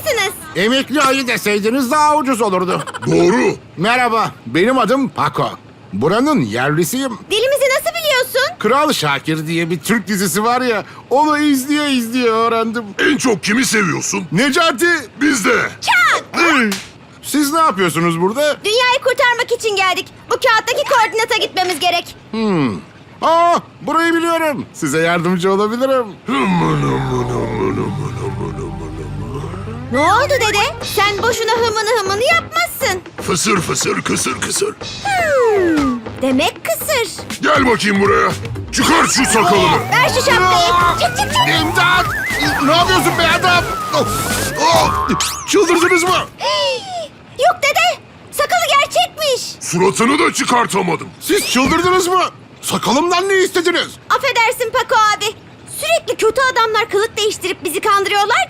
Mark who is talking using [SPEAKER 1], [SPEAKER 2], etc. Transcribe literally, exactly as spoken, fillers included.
[SPEAKER 1] mısınız?
[SPEAKER 2] Emekli ayı deseydiniz daha ucuz olurdu.
[SPEAKER 3] Doğru.
[SPEAKER 2] Merhaba, benim adım Paco. Buranın yerlisiyim.
[SPEAKER 1] Dilimizi nasıl biliyorsun?
[SPEAKER 2] Kral Şakir diye bir Türk dizisi var ya, onu izleye izleye öğrendim.
[SPEAKER 3] En çok kimi seviyorsun?
[SPEAKER 2] Necati!
[SPEAKER 3] Biz de.
[SPEAKER 2] Siz ne yapıyorsunuz burada?
[SPEAKER 1] Dünyayı kurtarmak için geldik. Bu kağıttaki koordinata gitmemiz gerek.
[SPEAKER 2] Aa, burayı biliyorum. Size yardımcı olabilirim.
[SPEAKER 1] Ne oldu dede? Sen boşuna hımını hımını yapmazsın.
[SPEAKER 3] Fısır fısır kısır kısır.
[SPEAKER 1] Hmm, demek kısır.
[SPEAKER 3] Gel bakayım buraya. Çıkar şu sakalını.
[SPEAKER 1] Ver şu şapkayı. Çık çık çık.
[SPEAKER 2] İmdat! Ne yapıyorsun be adam? Of! Oh! Çıldırdınız mı?
[SPEAKER 1] Yok dede. Sakalı gerçekmiş.
[SPEAKER 3] Suratını da çıkartamadım.
[SPEAKER 2] Siz çıldırdınız mı? Sakalımdan ne istediniz?
[SPEAKER 1] Affedersin Paco abi. Sürekli kötü adamlar kılık değiştirip bizi kandırıyorlar